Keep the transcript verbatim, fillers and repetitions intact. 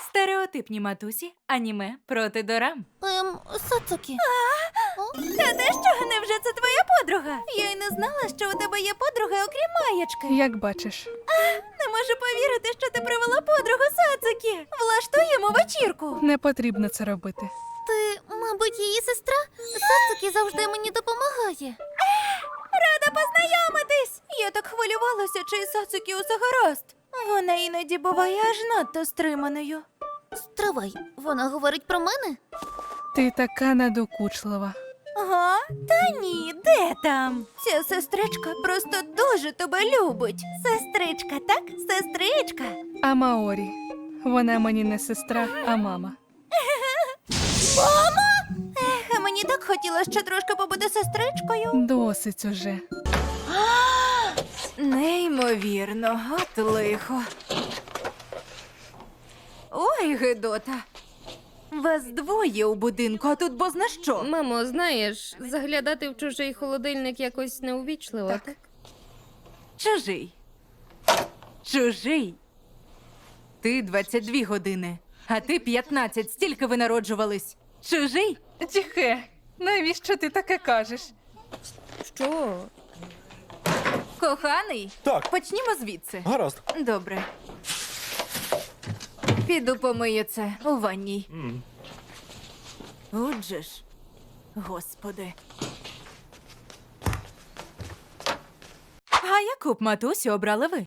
Стереотипні матусі, аніме проти дорам. Ем, Сацукі. Та те що, невже це твоя подруга? Я й не знала, що у тебе є подруга, окрім Маєчки. Як бачиш. Не можу повірити, що ти привела подругу Сацукі. Влаштуємо вечірку. Не потрібно це робити. Ти, мабуть, її сестра? Сацукі завжди мені допомагає. Рада познайомитись. Я так хвилювалася, чи із Сацукі усе гаразд. Вона іноді буває аж надто стриманою. Стривай, вона говорить про мене? Ти така надокучлива. Ага, та ні, де там? Ця сестричка просто дуже тебе любить. Сестричка, так? Сестричка. А Маорі. Вона мені не сестра, а мама. Мама? Ех, а мені так хотілося ще трошки побути сестричкою. Досить уже. Неймовірно, от лихо. Ой, Гедота. Вас двоє у будинку, а тут бозна що. Мамо, знаєш, заглядати в чужий холодильник якось неувічливо, так? Так. Чужий. Чужий. Ти двадцять дві години, а ти п'ятнадцять. Стільки ви народжувались. Чужий? Тіхе, навіщо ти таке кажеш? Що? Коханий? Так. Почнімо звідси. Гаразд. Добре. Піду помию це у ванній. Отже ж, господи. А яку б матусю обрали ви?